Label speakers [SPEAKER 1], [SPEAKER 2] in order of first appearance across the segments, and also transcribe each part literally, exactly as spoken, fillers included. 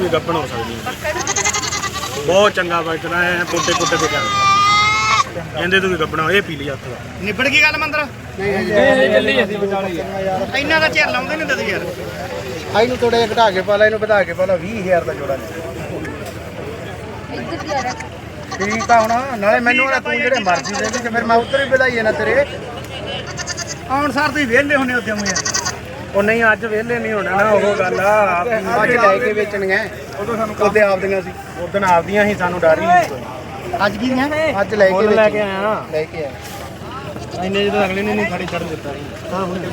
[SPEAKER 1] ਵੀ ਗੱਪਣ ਹੋ ਸਕਦੀ ਬਹੁਤ ਚੰਗਾ ਬਚਦਾ ਹੈ ਪੁੱਟੇ ਪੁੱਟੇ ਤੇ ਚੱਲ ਕਹਿੰਦੇ ਤੂੰ ਵੀ ਗੱਪਣਾ ਇਹ ਪੀ ਲਈ ਹੱਥ ਦਾ
[SPEAKER 2] ਨਿਬੜ ਗਈ ਗੱਲ ਮੰਦਰ
[SPEAKER 3] ਨਹੀਂ ਚੱਲੀ ਅਸੀਂ ਵਿਚਾਲੇ ਯਾਰ
[SPEAKER 2] ਇੰਨਾ ਦਾ ਚਿਰ ਲਾਉਂਦੇ ਨਹੀਂ ਤੁਸੀਂ ਯਾਰ
[SPEAKER 3] ਆਈ ਨੂੰ ਥੋੜਾ ਜਿਹਾ ਘਟਾ ਕੇ ਪਾ ਲੈ ਇਹਨੂੰ ਵਧਾ ਕੇ ਪਾ ਲੈ ਵੀਹ ਹਜ਼ਾਰ ਦਾ ਜੋੜਾ ਲੈ ਠੀਕ ਆ ਹੁਣ ਨਾਲੇ ਮੈਨੂੰ ਨਾ ਤੂੰ ਜਿਹੜੇ ਮਰਜ਼ੀ ਦੇ ਦੇ ਫਿਰ ਮੈਂ ਉੱਧਰ ਹੀ ਵਧਾਈਏ ਨਾ ਤੇਰੇ
[SPEAKER 2] ਆਉਣ ਸਾਰ ਤੁਸੀਂ ਵਿਹਲੇ ਹੁੰਦੇ ਉੱਥੇ ਮੂੰਹ ਯਾਰ
[SPEAKER 1] ਉਹ ਨਹੀਂ ਅੱਜ ਵਿਹਲੇ ਨਹੀਂ ਹੋਣਾ ਨਾ ਉਹ ਗੱਲ ਆ
[SPEAKER 3] ਅੱਜ ਲੈ ਕੇ ਵੇਚਣੀਆਂ
[SPEAKER 1] ਉਦੋਂ ਸਾਨੂੰ
[SPEAKER 3] ਉਹਦੇ ਆਪਦੀਆਂ ਸੀ
[SPEAKER 1] ਉਦੋਂ ਆਪਦੀਆਂ ਸੀ ਸਾਨੂੰ ਡਰ ਹੀ ਨਹੀਂ ਕੋਈ
[SPEAKER 2] ਅੱਜ ਕੀ ਦੀਆਂ
[SPEAKER 3] ਅੱਜ ਲੈ ਕੇ
[SPEAKER 1] ਮੁੱਲ ਲੈ ਕੇ
[SPEAKER 3] ਵੇਚਣੀਆਂ।
[SPEAKER 1] ਆਇਆ
[SPEAKER 3] ਲੈ ਕੇ ਆਇਆ
[SPEAKER 1] ਇੰਨੇ ਜਦੋਂ ਅਗਲੇ ਨੇ ਨਹੀਂ ਖੜੀ ਚੜ੍ਹ ਦਿੱਤਾ ਸੀ
[SPEAKER 3] ਹਾਂ ਹੁਣ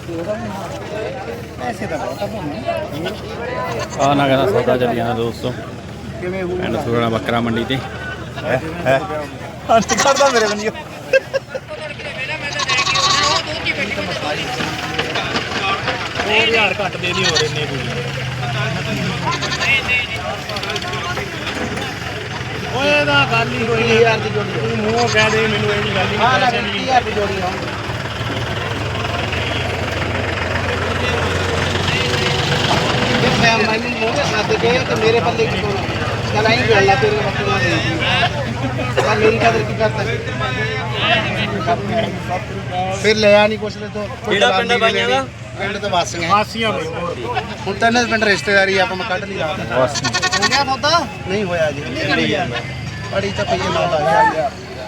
[SPEAKER 3] ਪੈਸੇ ਦਾ ਬਹੁਤ ਆ
[SPEAKER 4] ਆ ਨਗਰ ਦਾ ਸੌਦਾ ਚੱਲੀ ਜਾਂਦਾ ਦੋਸਤੋ
[SPEAKER 3] ਕਿਵੇਂ ਹੋ
[SPEAKER 4] ਪਿੰਡ ਸੂਰਣਾ ਬੱਕਰਾ ਮੰਡੀ ਤੇ
[SPEAKER 3] ਹੱਥ ਕਰਦਾ ਮੇਰੇ ਬੰਦੀ
[SPEAKER 1] ਹੋਰ ਹਜ਼ਾਰ ਘੱਟ ਦੇ ਨਹੀਂ ਹੋ ਰਹੇ ਨੇ ਕੋਈ ਓਏ ਦਾ ਗੱਲ ਹੀ ਹੋਈ
[SPEAKER 3] ਵੀਹ ਹਜ਼ਾਰ ਦੀ ਜੋੜੀ
[SPEAKER 1] ਤੂੰ ਮੂੰਹ ਕਹਿ ਦੇ ਮੈਨੂੰ ਇਹ ਨਹੀਂ ਗੱਲ ਹੀ
[SPEAKER 3] ਹਾਂ
[SPEAKER 1] ਨਹੀਂ
[SPEAKER 3] ਨਾ ਵੀਹ ਹਜ਼ਾਰ ਦੀ ਜੋੜੀ ਆ ਇਹ ਮੈਂ ਮੈਨੂੰ ਮੂੰਹ ਦੇ ਸਾਥ ਦੇ ਤੇ ਮੇਰੇ ਪੱਲੇ ਕੀ ਕੋਲ ਚੱਲ ਆਈ ਗੱਲ ਲਾ ਤੇਰੇ ਬੱਕਰੀਆਂ ਦੇ ਤਾਂ ਮੇਰੀ ਕਦਰ ਕੀ ਕਰਦਾ ਫਿਰ ਲਿਆ ਨਹੀਂ ਕੁਛ ਤੇ ਤੋਂ
[SPEAKER 4] ਕਿਹੜਾ ਪਿੰਡ ਆ ਬਾਈਆਂ ਦਾ?
[SPEAKER 3] ਪਿੰਡ ਤੋਂ ਵਾਸੀਆਂ
[SPEAKER 1] ਹਾਸੀਆਂ ਬਈ
[SPEAKER 3] ਹੁਣ ਤਾਂ ਇਹਨਾਂ ਦੇ ਪਿੰਡ ਰਿਸ਼ਤੇਦਾਰੀ ਆਪਾਂ ਮੈਂ ਕੱਢ ਲਈ ਰਾਤ ਹੋ ਗਿਆ ਸੌਦਾ ਨਹੀਂ ਹੋਇਆ ਜੀ ਬੜੀ ਤਾਂ ਪਈ ਨਾ ਲਾਇਆ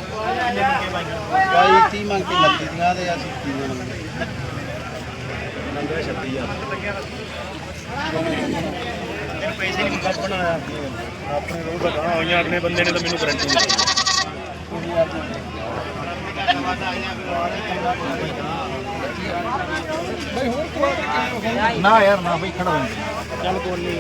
[SPEAKER 3] ਬਾਈ ਤੀਹ ਮੰਗ ਕੇ ਲੱਤੀ ਦੀਆਂ ਦੇ ਅਸੀਂ ਤੀਹ ਮੰਗਦੇ
[SPEAKER 1] ਨੰਬਰ ਛੱਤੀ ਹਜ਼ਾਰ ਪੈਸੇ ਨਹੀਂ ਕੱਢ ਬਣਾਇਆ ਆਪਣੇ ਰੋਹ ਦਾ ਗਾਂ ਹੋਈਆਂ ਆਪਣੇ ਬੰਦੇ ਨੇ ਤਾਂ ਮੈਨੂੰ ਗਰੰਟੀ ਦਿੱਤੀ
[SPEAKER 3] ਨਾ ਯਾਰ ਨਾ ਬਈ ਖੜਾ
[SPEAKER 1] ਚੱਲ ਕੋਈ ਨਹੀਂ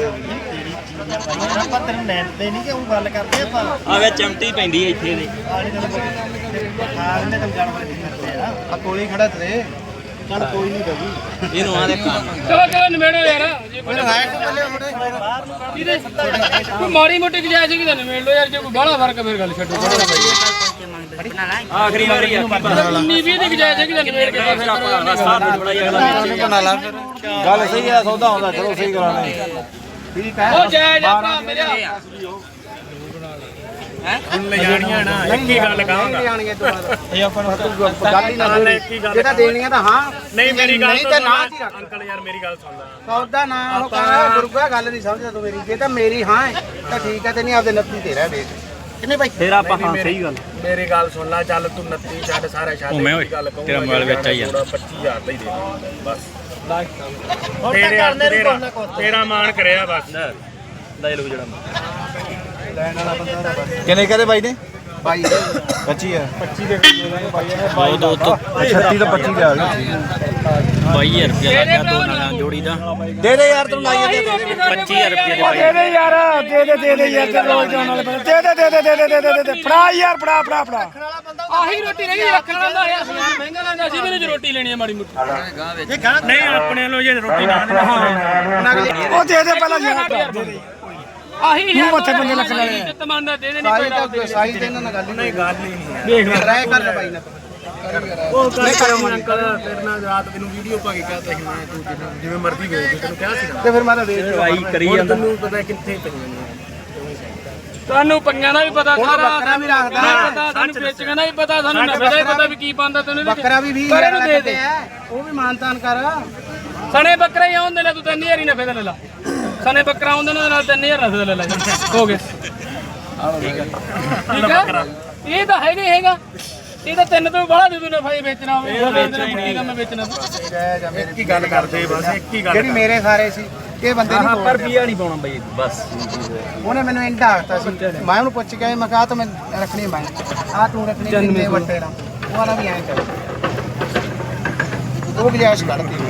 [SPEAKER 2] ਆਪਾਂ ਤੈਨੂੰ ਲੈਂਦੇ ਨਹੀਂ ਕਿ ਉਹ ਗੱਲ ਕਰਦੇ ਆਪਾਂ
[SPEAKER 4] ਆ ਵੇ ਚਮਟੀ ਪੈਂਦੀ ਇੱਥੇ ਦੇ
[SPEAKER 2] ਆਲੇ ਦੇ ਖਾਣ ਨੇ ਤਾਂ ਜਾਨਵਰ ਨਹੀਂ ਕਰਦੇ ਆ
[SPEAKER 3] ਆ ਕੋਲੀ ਖੜਾ ਤੇ ਚੱਲ ਕੋਈ ਨਹੀਂ ਦਗੀ
[SPEAKER 4] ਇਹਨੂੰ ਆ ਦੇ
[SPEAKER 5] ਚਲੋ ਚਲੋ ਨਿਬੇੜੋ ਯਾਰ ਜੇ
[SPEAKER 3] ਮੈਨੂੰ ਹੈ ਕਿ ਬੱਲੇ ਮੁੰਡੇ
[SPEAKER 5] ਇਹਦੇ ਕੋਈ ਮਾੜੀ ਮੋਟੀ ਗੁਜਾਇਸ਼ ਸੀ ਕਿ ਨਿਬੇੜ ਲਓ ਯਾਰ ਜੇ ਕੋਈ ਬਾਹਲਾ ਫਰਕ ਫਿਰ ਗੱਲ ਛੱਡੋ
[SPEAKER 4] ਆਖਰੀ ਵਾਰੀ ਆ
[SPEAKER 5] ਉਨੀ ਵੀਹ ਦੀ ਗੁਜਾਇਸ਼ ਹੈ ਕਿ ਨਿਬੇੜ ਕੇ
[SPEAKER 4] ਫਿਰ ਆਪਾਂ ਰਸਤਾ ਬੜਾ ਅਗਲਾ
[SPEAKER 3] ਬਣਾ ਲਾ ਫਿਰ ਗੱਲ ਸਹੀ ਆ ਸੌਦਾ ਹੁੰਦਾ ਚਲੋ ਸਹੀ ਕਰਾਣੇ ਠੀਕ ਹੈ
[SPEAKER 5] ਉਹ ਜਾਇਜ਼ ਆ ਭਰਾ ਮੇਰਾ
[SPEAKER 1] ਹੁਣ ਲੈ ਜਾਣੀਆਂ ਨਾ ਇੱਕ ਹੀ ਗੱਲ ਕਹਾਂਗਾ
[SPEAKER 3] ਆਣਗੇ ਦੁਬਾਰਾ ਇਹ ਆਪਾਂ ਨੂੰ ਗੱਲ ਹੀ ਨਾ ਜਿਹੜਾ ਦੇਣੀਆਂ ਤਾਂ ਹਾਂ
[SPEAKER 1] ਨਹੀਂ ਮੇਰੀ ਗੱਲ
[SPEAKER 3] ਨਹੀਂ ਤੇ ਨਾ ਹੀ ਰੱਖ
[SPEAKER 1] ਅੰਕਲ ਯਾਰ ਮੇਰੀ ਗੱਲ ਸੁਣ ਲੈ
[SPEAKER 3] ਸੌਦਾ ਨਾ ਉਹ ਕਹਾਂ ਗੁਰੂਆ ਗੱਲ ਨਹੀਂ ਸਮਝਦਾ ਤੂੰ ਮੇਰੀ ਜੇ ਤਾਂ ਮੇਰੀ ਹਾਂ ਹੈ ਤਾਂ ਠੀਕ ਹੈ ਤੇ ਨਹੀਂ ਆਪਦੇ ਨੱਤੀ ਤੇਰਾ ਵੇਚ ਕਿੰਨੇ ਭਾਈ
[SPEAKER 4] ਫੇਰ ਆਪਾਂ ਹਾਂ ਸਹੀ ਗੱਲ
[SPEAKER 1] ਮੇਰੀ ਗੱਲ ਸੁਣ ਲੈ ਚੱਲ ਤੂੰ ਉਨੱਤੀ ਛੱਡ ਸਾਰਾ ਛੱਡ
[SPEAKER 4] ਘੁੰਮੇ ਓਏ,
[SPEAKER 1] ਗੱਲ ਕਹੂੰਗਾ
[SPEAKER 4] ਤੇਰਾ ਮੋਬਾਈਲ ਵਿੱਚ ਆਈ ਜਾਂਦਾ।
[SPEAKER 1] ਪੱਚੀ ਹਜ਼ਾਰ ਦਾ ਹੀ ਦੇ ਦੇ ਬਸ ਤੇਰੇ ਹੱਥ ਤੇਰਾ ਤੇਰਾ ਮਾਣ ਕਰਿਆ ਬਸ
[SPEAKER 4] ਲੈ ਲਓ ਜਿਹੜਾ
[SPEAKER 3] ਲੈਣ ਵਾਲਾ ਬੰਦਾ ਦਾ ਬਸ
[SPEAKER 6] ਕਿੰਨੇ ਕਹਦੇ ਬਾਈ ਨੇ
[SPEAKER 3] ਬਾਈ
[SPEAKER 6] ਪੱਚੀ ਆ
[SPEAKER 3] ਪੱਚੀ ਦੇ ਬਾਈ ਨੇ
[SPEAKER 4] ਦੋ ਦੋ ਤੋਂ
[SPEAKER 6] ਛੱਤੀ ਤੋਂ ਪੱਚੀ ਲਿਆ ਗਿਆ
[SPEAKER 4] ਬਾਈ ਹਜ਼ਾਰ ਰੁਪਇਆ ਲੱਗਿਆ ਦੋ ਨਾਲਾਂ ਜੋੜੀ ਦਾ
[SPEAKER 6] ਦੇ ਦੇ ਯਾਰ ਤੈਨੂੰ ਲਾਈਏ ਦੇ ਦੇ
[SPEAKER 4] ਪੱਚੀ ਹਜ਼ਾਰ ਰੁਪਇਆ ਦੇ ਬਾਈ
[SPEAKER 5] ਦੇ ਯਾਰ ਦੇ ਦੇ ਦੇ ਦੇ ਯਾਰ ਤੇ ਰੋਜ਼ ਜਾਣ ਵਾਲੇ ਬੰਦੇ ਦੇ ਦੇ ਦੇ ਦੇ ਦੇ ਦੇ ਦੇ ਫੜਾ ਯਾਰ ਫੜਾ ਫੜਾ ਫੜਾ ਆਹੀ ਰੋਟੀ ਰਹੀ ਰੱਖਣ ਵਾਲਾ ਯਾਰ ਸਮਾਨ ਮਹਿੰਗਾ ਲੈਂਦਾ ਸੀ ਮੈਨੂੰ ਰੋਟੀ ਲੈਣੀ ਹੈ ਮਾੜੀ ਮੁੱਠੀ
[SPEAKER 1] ਨਹੀਂ ਆਪਣੇ ਲੋ ਜੇ ਰੋਟੀ ਨਾ
[SPEAKER 5] ਉਹ ਦੇ ਦੇ ਪਹਿਲਾਂ ਯਾਰ ਦੇ ਦੇ ਆਹੀ ਯਾਰ ਮੱਥੇ ਬੰਦੇ ਲੱਖ ਵਾਲੇ ਇੱਜ਼ਤ ਮੰਨਦਾ ਦੇ ਦੇ ਨਹੀਂ
[SPEAKER 3] ਸਾਈ ਤਾਂ ਸਾਈ ਤੇ ਇਹਨਾਂ ਨਾਲ ਗੱਲ ਹੀ ਨਹੀਂ
[SPEAKER 1] ਗੱਲ ਹੀ ਨਹੀਂ
[SPEAKER 3] ਦੇਖ ਰਾਇ ਕਰ ਲੈ ਬਾਈ ਨਾਲ
[SPEAKER 1] ਉਹ ਨਹੀਂ ਕਰੋ ਅੰਕਲ ਤੇਰੇ ਨਾਲ ਰਾਤ ਤੈਨੂੰ ਵੀਡੀਓ ਪਾ ਕੇ ਕਹਤਾ ਸੀ ਮੈਂ ਤੂੰ ਜਿਵੇਂ- ਜਿਵੇਂ ਮਰਜ਼ੀ ਵੇਚ ਦੇ ਤੈਨੂੰ ਕਿਹਾ ਸੀਗਾ
[SPEAKER 3] ਤੇ ਫਿਰ ਮਾਰਾ ਵੇਚ
[SPEAKER 4] ਦਵਾਈ ਕਰੀ
[SPEAKER 1] ਹੁਣ
[SPEAKER 4] ਜਾਂਦਾ
[SPEAKER 1] ਤੈਨੂੰ ਪਤਾ ਕਿੱਥੇ ਪਈਆਂ ਨੇ
[SPEAKER 5] ਤੁਹਾਨੂੰ ਪੰਗਾਂ ਦਾ ਵੀ ਪਤਾ
[SPEAKER 3] ਹੁਣ
[SPEAKER 5] ਸਾਰਾ
[SPEAKER 3] ਬੱਕਰਾ ਵੀ ਰੱਖਦਾ।
[SPEAKER 5] ਨਹੀਂ ਪਤਾ ਸਾਨੂੰ ਵੇਚਣ ਦਾ ਵੀ ਪਤਾ ਸਾਨੂੰ ਨਫੇ ਦਾ ਵੀ ਪਤਾ ਵੀ ਕੀ ਪਾਉਂਦਾ ਤੈਨੂੰ
[SPEAKER 3] ਬੱਕਰਾ ਵੀ ਵੀਹ
[SPEAKER 5] ਪਰ
[SPEAKER 3] ਹਜ਼ਾਰ
[SPEAKER 5] ਇਹਨੂੰ
[SPEAKER 3] ਦਾ
[SPEAKER 5] ਦੇ ਦੇ
[SPEAKER 3] ਕੱਟਿਆ ਉਹ ਵੀ ਮਾਨਤਾਨ ਕਰ
[SPEAKER 5] ਸਣੇ ਬੱਕਰਾ ਹੀ ਆਉਂਦੇ ਨੇ ਤੂੰ ਤਿੰਨ ਹਜ਼ਾਰ ਹੀ ਨਫੇ ਦਾ ਲੈ ਲਾ ਸਣੇ ਬੱਕਰਾ ਆਉਂਦੇ ਨੇ ਨਾਲ ਤਿੰਨ ਹਜ਼ਾਰ ਨਫੇ ਦਾ ਲੈ ਲਾ ਹੋ ਗਿਆ ਠੀਕ ਹੈ ਠੀਕ ਹੈ ਇਹ ਤਾਂ ਹੈਗਾ ਹੀ ਹੈਗਾ ਇਹ ਤਾਂ ਤਿੰਨ ਤੋਂ ਬਾਹਲਾ ਦੇ ਦੂ ਨਫਾ ਹੀ ਵੇਚਣਾ ਹੋਵੇ ਉਹ ਵੇਚਣਾ ਮੁੱਕੀ ਕੰਮ ਵੇਚਣਾ
[SPEAKER 1] ਇੱਕ ਹੀ ਗੱਲ ਕਰਦੇ ਬਸ ਇੱਕ ਹੀ ਗੱਲ
[SPEAKER 3] ਜਿਹੜੀ ਮੇਰੇ ਸਾਰੇ ਸੀ ਇਹ ਬੰਦੇ ਨਹੀਂ
[SPEAKER 4] ਪਰ ਰੁਪਿਆ ਨਹੀਂ ਪਾਉਣਾ ਬਾਈ ਬਸ
[SPEAKER 3] ਉਹਨੇ ਮੈਨੂੰ ਇੰਡਾ ਆਖਤਾ ਸੀ ਮੈਂ ਉਹਨੂੰ ਪੁੱਛ ਕੇ ਮੈਂ ਕਹਾ ਤਾਂ ਮੈਂ ਰੱਖਣੀ ਮੈਂ ਆ ਤੂੰ ਰੱਖਣੀ ਕਿੰਨੇ ਵੱਟੇ ਨਾਲ ਉਹ ਵਾਲਾ ਵੀ ਐਂ ਕਰ ਉਹ ਗੁਜਾਇਸ਼ ਕਰਦੀ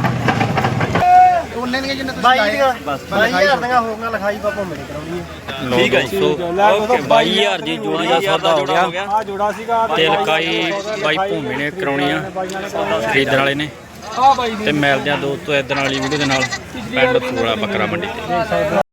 [SPEAKER 3] ਉਹਨੇ ਦੀਆਂ ਜਿੰਨੇ ਤੁਸੀਂ
[SPEAKER 2] ਬਾਈ ਦੀਆਂ
[SPEAKER 3] ਬਸ
[SPEAKER 2] ਬਾਈ ਹਜ਼ਾਰ ਦੀਆਂ ਹੋਊਗਾ ਲਿਖਾਈ ਪਾਪਾ ਮੇਰੇ ਕਰਾਉਣੀ ਹੈ
[SPEAKER 4] ਠੀਕ ਹੈ ਜੀ ਸੋ ਓਕੇ ਬਾਈ ਹਜ਼ਾਰ ਦੀ ਜੋੜੀ ਦਾ ਸੌਦਾ ਹੋ ਗਿਆ
[SPEAKER 6] ਆ ਜੋੜਾ ਸੀਗਾ
[SPEAKER 4] ਤੇ ਲਕਾਈ ਬਾਈ ਭੂਮੀ ਨੇ ਕਰਾਉਣੀ ਆ ਖਰੀਦਣ ਵਾਲੇ ਨੇ
[SPEAKER 5] ਆ ਬਾਈ
[SPEAKER 4] ਤੇ ਮਿਲਦੇ ਆ ਦੋਸਤੋ ਇਦਾਂ ਵਾਲੀ ਵੀਡੀਓ ਦੇ ਨਾਲ ਪਿੰਡ ਸੂਰਣਾ ਬੱਕਰਾ ਮੰਡੀ ਤੇ